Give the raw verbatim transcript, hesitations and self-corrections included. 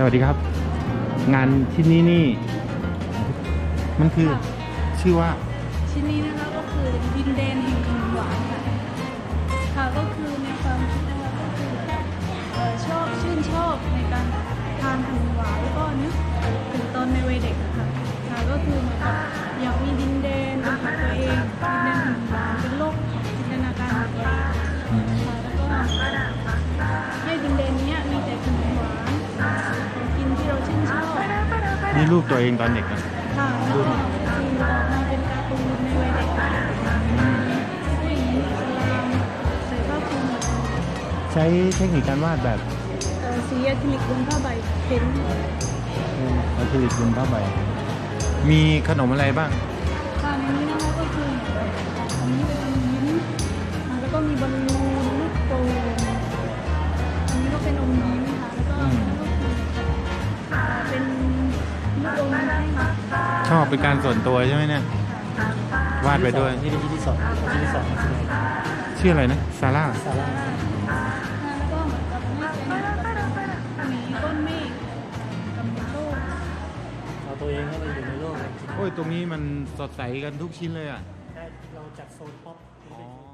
วัสดีครับ งานชิ้นนี้นี่ มันคือชื่อว่าชิ้นนี้นะคะก็คือดินแดนแห่งขนมหวานค่ะค่ะก็คือในความคิดนะคะก็คือเอ่อชอบชื่นชอบในการทานขนมหวานแล้วก็นึกถึงตอนในวัยเด็กอะค่ะค่ะก็คือเหมือนกับอยากมีดินแดนเป็นของตัวเองดินแดนขนมหวานเป็นโลกของจินตนาการของตัวเองค่ะแล้วก็ให้ดินแดนเนี้ยมีแต่ขนมหวานของกินที่เราชื่นชอบนี่รูปตัวเองตอนเด็กนะค่ะแล้วก็คือออกมาเป็นการ์ตูนในวัยเด็กผู้หญิงอิสลามใส่ผ้าคลุมใช้เทคนิคการวาดแบบเอ่อสีอะคริลิกบนผ้าใบเพ้นท์อะคริลิกบนผ้าใบมีขนมอะไรบ้างค่ะในนี้นะคะก็คืออันนี้เป็นอมยิ้มอ่าแล้วก็มีบอลลูนลูกโป่งอันนี้ก็เป็นอมยิ้มค่ะแล้วก็อันนี้ก็คืออ่าเป็นลูกอมให้ค่ะชอบเป็นการส่วนตัวใช่ไหมเนี่ย วาดไปด้วยนี่เป็นที่ที่สองที่ที่สองชื่ออะไรนะซาร่าซาร่าแล้วก็เหมือนกับให้เป็นหมีก้อนเมฆกับโลกเอาตัวเองให้ไปอยู่ในโลกโอ้ยตรงนี้มันสดใสกันทุกชิ้นเลยอ่ะได้เราจัดโซนป๊อปอ๋อ